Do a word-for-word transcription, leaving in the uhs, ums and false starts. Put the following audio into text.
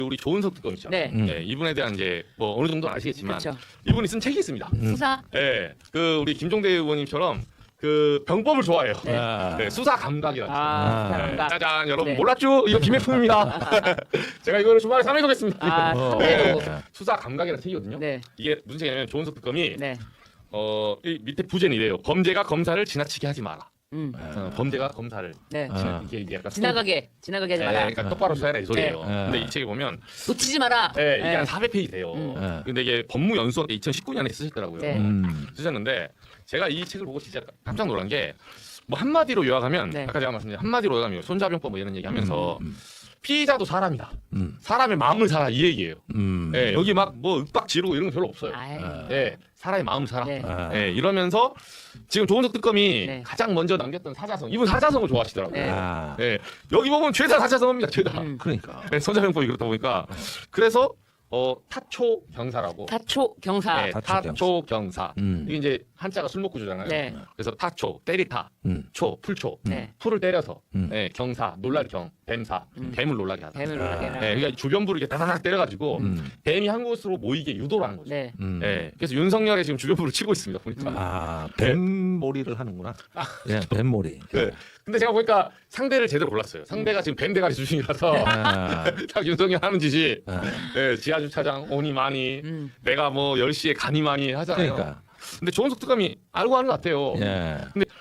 우리 조은석 특검 있죠. 네. 음. 네, 이분에 대한 이제 뭐 어느 정도 아시겠지만 그렇죠. 이분이 쓴 책이 있습니다. 수사. 네, 그 우리 김종대 의원님처럼 그 병법을 좋아해요. 네. 아. 네, 수사 감각이라는. 아, 아. 네, 감각. 짜잔, 여러분 네. 몰랐죠? 이거 김혜품입니다. 제가 이거를 주말에 삼회독했습니다. 아, 어. 네. 수사 감각이라는 책이거든요. 네. 이게 무슨 책이냐면 조은석 특검이 네. 어, 이 밑에 부제는 이래요. 범죄가 검사를 지나치게 하지 마라. 음. 어, 범죄가 검사를 네. 아. 이게, 이게 약간 지나가게 지나가게 하지 네, 마라. 그러니까 똑바로 써야 이 소리예요. 네. 근데 이 책에 보면 놓치지 마라. 네, 이게 네. 한 사백 페이지 돼요. 음. 네. 근데 이게 법무연수원 때 이천십구 년에 쓰셨더라고요. 네. 음. 쓰셨는데 제가 이 책을 보고 진짜 깜짝 놀란 게 뭐 한마디로 요약하면 네. 아까 제가 말씀드린 한마디로 요약하면 손자병법 뭐 이런 얘기하면서 음. 피의자도 사람이다. 음. 사람의 마음을 살아 이 얘기예요. 음. 네, 여기 막 뭐 윽박 지르고 이런 거 별로 없어요. 아이. 아. 네, 사람의 마음을 살아. 네. 아. 네, 이러면서 지금 조은석 특검이 네. 가장 먼저 남겼던 사자성, 이분 사자성을 좋아하시더라고요. 네. 아. 네, 여기 보면 죄다 사자성어입니다. 죄다. 음. 그러니까. 네, 손자병법이 그렇다 보니까 그래서 어, 타초 경사라고. 타초 경사. 네, 타초 타초 경사. 음. 이게 이제 한자가 술 먹고 주잖아요. 네. 그래서 타초, 때리타, 음. 초, 풀초. 네. 풀을 때려서 음. 네, 경사, 놀랄 경, 뱀사, 음. 뱀을 놀라게 하다. 뱀을 놀라게 해라. 네, 그러니까 주변부를 이렇게 다다닥 때려가지고 음. 뱀이 한 곳으로 모이게 유도를 하는 거죠. 네. 음. 네, 그래서 윤석열이 지금 주변부를 치고 있습니다. 보니까. 아, 뱀몰이를 하는구나. 예, 뱀몰이. 네. 근데 제가 보니까 상대를 제대로 골랐어요. 상대가 지금 뱀 대가리 수준이라서 아. 딱 윤석열 하는 짓이 아. 네, 지하주차장 오니 많이 음. 내가 뭐 열 시에 가니 많이 하잖아요. 그러니까. 근데 조은석 특검이 알고 하는 것 같아요. 예. 근데